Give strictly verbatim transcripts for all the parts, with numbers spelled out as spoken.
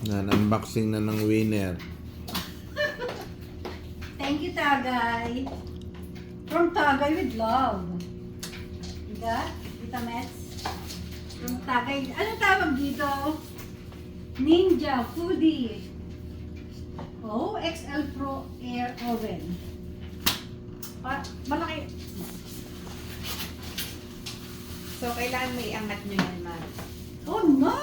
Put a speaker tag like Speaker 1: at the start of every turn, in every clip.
Speaker 1: Yan, unboxing na ng winner.
Speaker 2: Thank you, Tagay. From Tagay with love. Diba? Tita Mets? From Tagay. Anong tawag dito? Ninja Foodie. Oh, X L Pro Air Oven. Pa malaki.
Speaker 3: So, kailangan may iangat nyo yan, ma.
Speaker 2: Oh, no!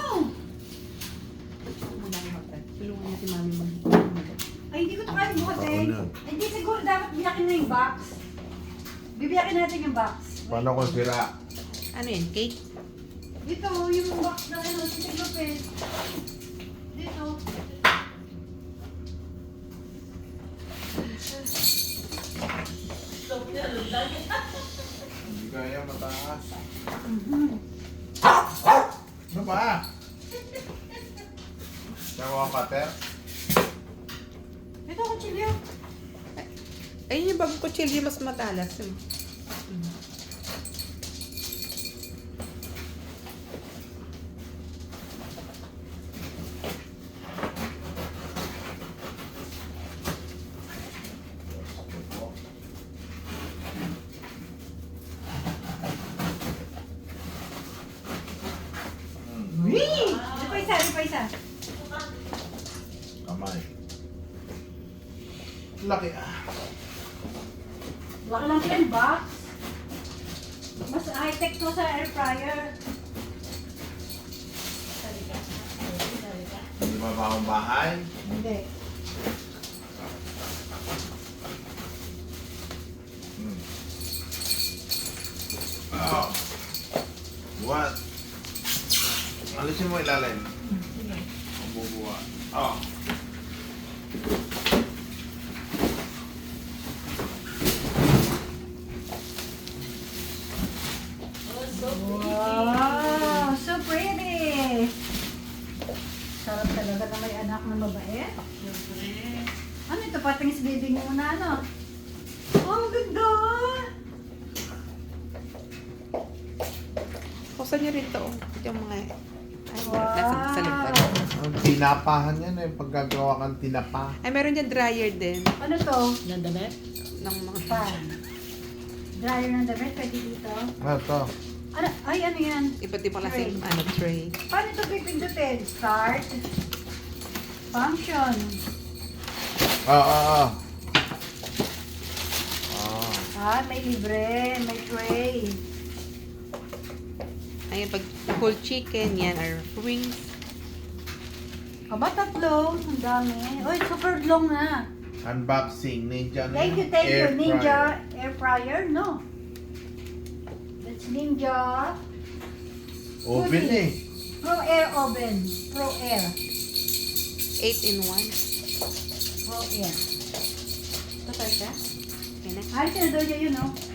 Speaker 3: Wala yung hotdog. Tulungan niya si mami mag
Speaker 2: Ay, hindi ko ito kaya buhatin.
Speaker 1: Oo na.
Speaker 2: Ay, hindi siguro dapat biyakin na yung box. Bibiyakin natin yung box.
Speaker 1: Paano kung sira?
Speaker 3: Ano yan? Cake?
Speaker 2: Dito, yung box na ano, Tita Lopez. Dito.
Speaker 1: Hindi kaya mataas.
Speaker 2: Mhm.
Speaker 1: Ano ba? Tawa ka, Ter?
Speaker 2: Ito, kutsilyo.
Speaker 3: Ayun yung bagong kutsilyo mas matalas. Hmm.
Speaker 2: Wee! Ito pa isa, ito pa isa.
Speaker 1: Kamay. Laki ah.
Speaker 2: Laki lang yung box. Mas high-tech to sa air fryer. Halika. Halika.
Speaker 1: Hindi ba ba akong bahay?
Speaker 2: Hindi.
Speaker 1: Hmm. Oh. What? Alisin mo ilalim. Ang bubuha. Oh.
Speaker 2: Wow! So pretty! Sarap talaga na may anak na mabait. Ano ito? Patingis baby mo na ano? Oh, ang ganda!
Speaker 3: Kusa nyo rin to. Yung mga... Ay,
Speaker 2: Wow.
Speaker 3: nasa sa lipad.
Speaker 1: Ang tinapahan yan eh. Paggagawa kang tinapa.
Speaker 3: Ay, meron dyan dryer din.
Speaker 2: Ano to?
Speaker 3: Ng damit? Ng mga...
Speaker 2: Pan. Dryer ng damit, pwede dito.
Speaker 1: Ano to?
Speaker 2: Ano? Ay, ano yan?
Speaker 3: Iba't ibang klaseng
Speaker 2: Tray.
Speaker 3: ano, tray.
Speaker 2: Paano ito pipindutin? Start. Function.
Speaker 1: Ah, ah, ah. Ah.
Speaker 2: Ah, may libre. May tray.
Speaker 3: Ayun, pag whole chicken, yan, or wings.
Speaker 2: Aba, tatlo. Ang dami. Uy, super long na.
Speaker 1: Unboxing. Ninja.
Speaker 2: Thank you, thank
Speaker 1: Air
Speaker 2: you. Ninja
Speaker 1: fryer.
Speaker 2: air fryer? No. That's Ninja
Speaker 1: Oven eh.
Speaker 2: Pro Air Oven. Pro Air.
Speaker 3: eight in one.
Speaker 2: Pro Air.
Speaker 3: Ito talaga? Yan na.
Speaker 2: Ay, sinadol niya yun, no?